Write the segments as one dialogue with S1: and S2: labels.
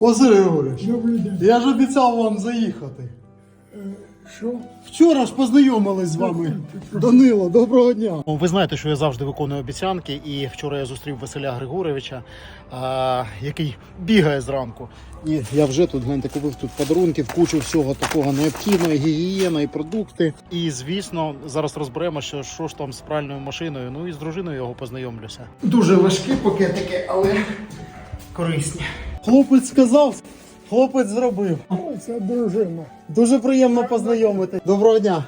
S1: Василь Григорович,
S2: Добрий день.
S1: я ж обіцяв вам заїхати.
S2: Що?
S1: Вчора ж познайомились з вами. Данило, доброго дня. Ви знаєте, що я завжди виконую обіцянки, і вчора я зустрів Василя Григоровича, який бігає зранку. І я вже тут, гляньте, купив тут подарунків, кучу всього такого необхідного, гігієна і продукти. І, звісно, зараз розберемо, що ж там з пральною машиною, ну і з дружиною його познайомлюся. Дуже важкі пакетики, але корисні. Хлопець сказав, хлопець зробив.
S2: Це дружина.
S1: Дуже приємно познайомити. Доброго дня.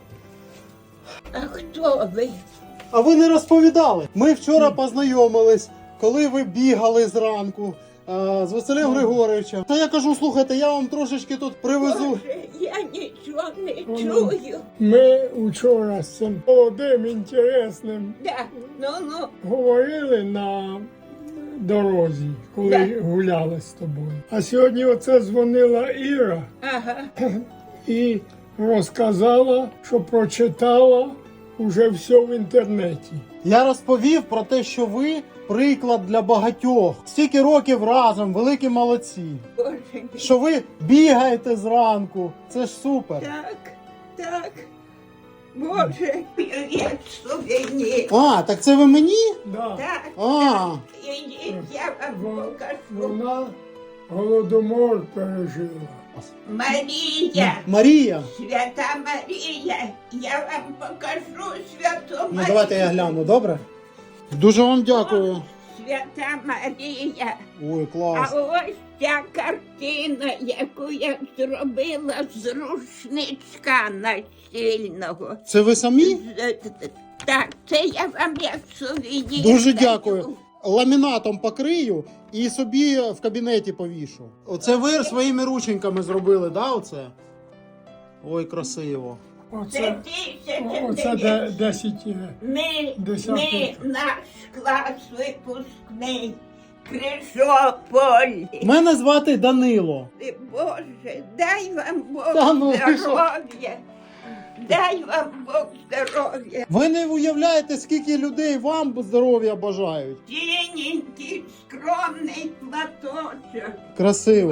S3: А хто ви?
S1: А ви не розповідали. Ми вчора познайомились, коли ви бігали зранку з Василем Григоровичем. Та я кажу, слухайте, я вам трошечки тут привезу.
S3: Боже, я нічого не чую.
S2: Ми вчора з цим молодим, інтересним
S3: Да, ну,
S2: говорили на дорозі, коли
S3: Да.
S2: гуляли з тобою. А сьогодні оце дзвонила Іра
S3: ага.
S2: і розказала, що прочитала уже все в інтернеті.
S1: Я розповів про те, що ви приклад для багатьох. Стільки років разом, великі молодці.
S3: Боже мій.
S1: Що ви бігаєте зранку. Це ж супер.
S3: Так. Боже, як сувенір.
S1: Так це ви мені?
S2: Да.
S3: Так,
S1: А.
S3: ідіть, я вам покажу.
S2: Вона голодомор пережила.
S3: Марія,
S1: Марія.
S3: свята Марія, я вам покажу святу Марію.
S1: Ну давайте я гляну, добре? Дуже вам дякую.
S3: Свята Марія.
S1: Ой,
S3: А
S1: клас.
S3: ось ця картина, яку я зробила з рушничка настільного.
S1: Це ви самі?
S3: Так, це я вам як сувенір.
S1: Дуже
S3: даю.
S1: дякую. Ламінатом покрию і собі в кабінеті повішу. Оце ви своїми рученьками зробили, да, оце? Ой, красиво.
S3: Це
S2: Оце 10
S3: Ми
S2: Десятий.
S3: наш клас випускний. Крижополь.
S1: Мене звати Данило.
S3: Боже, дай вам Бог
S1: Та ну, ви що?
S3: здоров'я. Дай вам Бог здоров'я.
S1: Ви не уявляєте, скільки людей вам здоров'я бажають.
S3: Тіненький, скромний платочок.
S1: Красиво.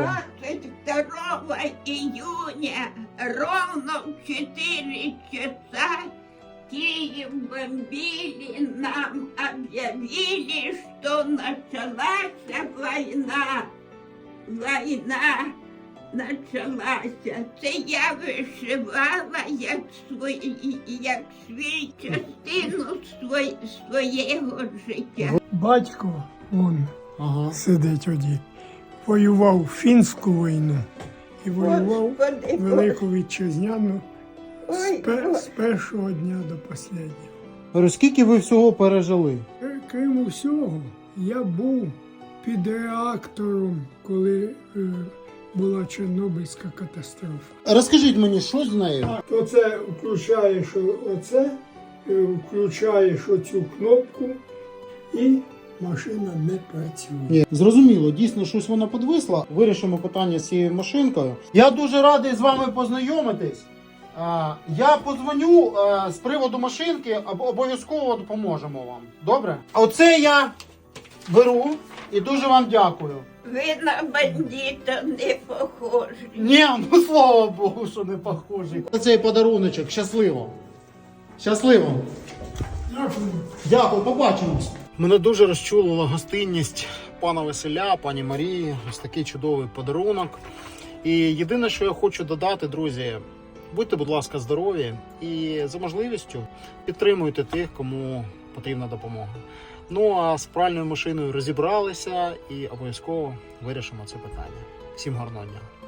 S3: 22 июня ровно в 4 часа Киев бомбили, нам объявили, что началась война. Война началася. Це я вишивала як свій частину своєго життя.
S2: Батько, он
S1: Ага.
S2: сидить один, воював фінську війну і воював
S3: Господи,
S2: Велику Вітчизняну
S3: Ой,
S2: з першого дня до останнього.
S1: Говорю, скільки ви всього пережили?
S2: Крім усього, я був під реактором, коли була Чорнобильська катастрофа.
S1: Розкажіть мені, що з нею?
S2: То це включаєш оце, включаєш оцю кнопку і машина не працює.
S1: Ні, зрозуміло, дійсно щось вона підвисла. Вирішимо питання з цією машинкою. Я дуже радий з вами познайомитись. Я подзвоню з приводу машинки, обов'язково допоможемо вам. Добре? Оце я беру і дуже вам дякую.
S3: ви на бандита не похожі.
S1: Ні, ну слава Богу, що не похожі. Цей подаруночок, щасливо. Щасливо.
S2: Дякую.
S1: Дякую, побачимось. Мене дуже розчулила гостинність пана Василя, пані Марії. Ось такий чудовий подарунок. І єдине, що я хочу додати, друзі, будьте, будь ласка, здорові і за можливістю підтримуйте тих, кому потрібна допомога. Ну а з пральною машиною розібралися і обов'язково вирішимо це питання. Всім гарного дня.